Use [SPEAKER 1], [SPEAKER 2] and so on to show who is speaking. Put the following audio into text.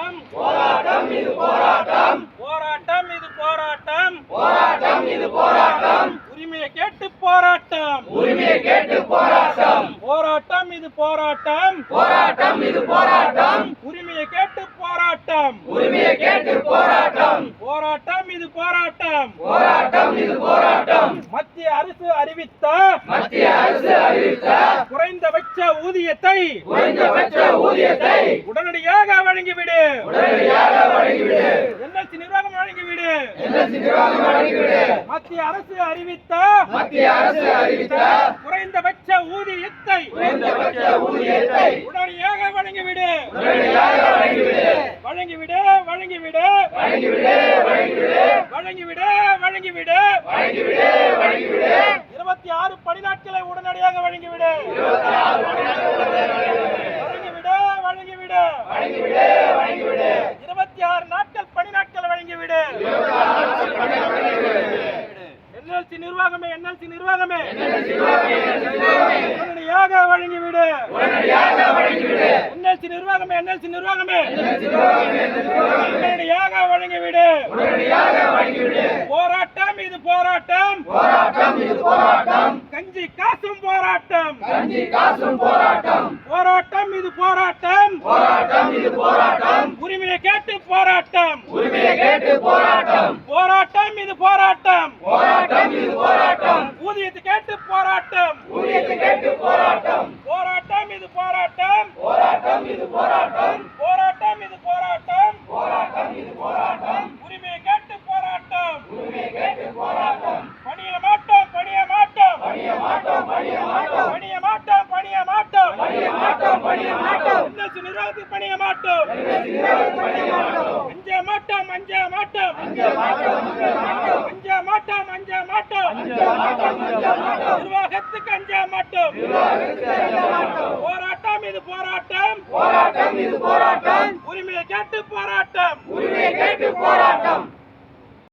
[SPEAKER 1] போராட்டம் போராட்டம் இது போராட்டம் போராட்டம் இது போராட்டம் போராட்டம் இது போராட்டம் உரிமையை கேட்டு போராட்டம் உரிமையை கேட்டு போராட்டம் போராட்டம் இது போராட்டம் போராட்டம் இது போராட்டம் உரிமையை கேட்டு போராட்டம் உரிமையை கேட்டு போராட்டம் போராட்டம் இது போராட்டம் போராட்டம் இது போராட்டம் மத்திய அரசு அறிவித்த குறைந்தபட்ச ஊதியத்தை உடனடியாக வழங்கிவிடு என்எல்சி நிர்வாகம் வழங்கிவிடு மத்திய அரசு அறிவித்த குறைந்தபட்ச ஊதியத்தை உடனடியாக வழங்கிவிடு வழங்கிவிடு வழங்கிவிடு வழங்கிவிடு வழங்கிவிடு 26 பணி நாட்களை உடனடியாக வழங்கிவிடு வழங்கிவிடு வழங்கிவிடு 26 நாட்கள் பணி நாட்கள் வழங்கிவிடு என்எல்சி நிர்வாகமே உடனடியாக வழங்கிவிடு என்எல்சி நிர்வாகமே உடனடியாக வழங்கிவிடு போராட்டம் இது போராட்டம் கஞ்சி காசும் போராட்டம் போராட்டம் இது போராட்டம் உரிமையை கேட்டு போராட்டம் போராட்டம் இது போராட்டம் ஊதியத்தை கேட்டு போராட்டம் போராட்டம் இது போராட்டம் போராட்டம் இது போராட்டம் உரிமையை கேட்டு போராட்டம் பணிய மாட்டோம் என்எல்சி நிர்வாகத்தில் பணிய மாட்டோம் அஞ்ச மாட்டோம் நிர்வாகத்துக்கு அஞ்ச மாட்டோம் போராட்டம் இது போராட்டம் உரிமையை கேட்டு போராட்டம்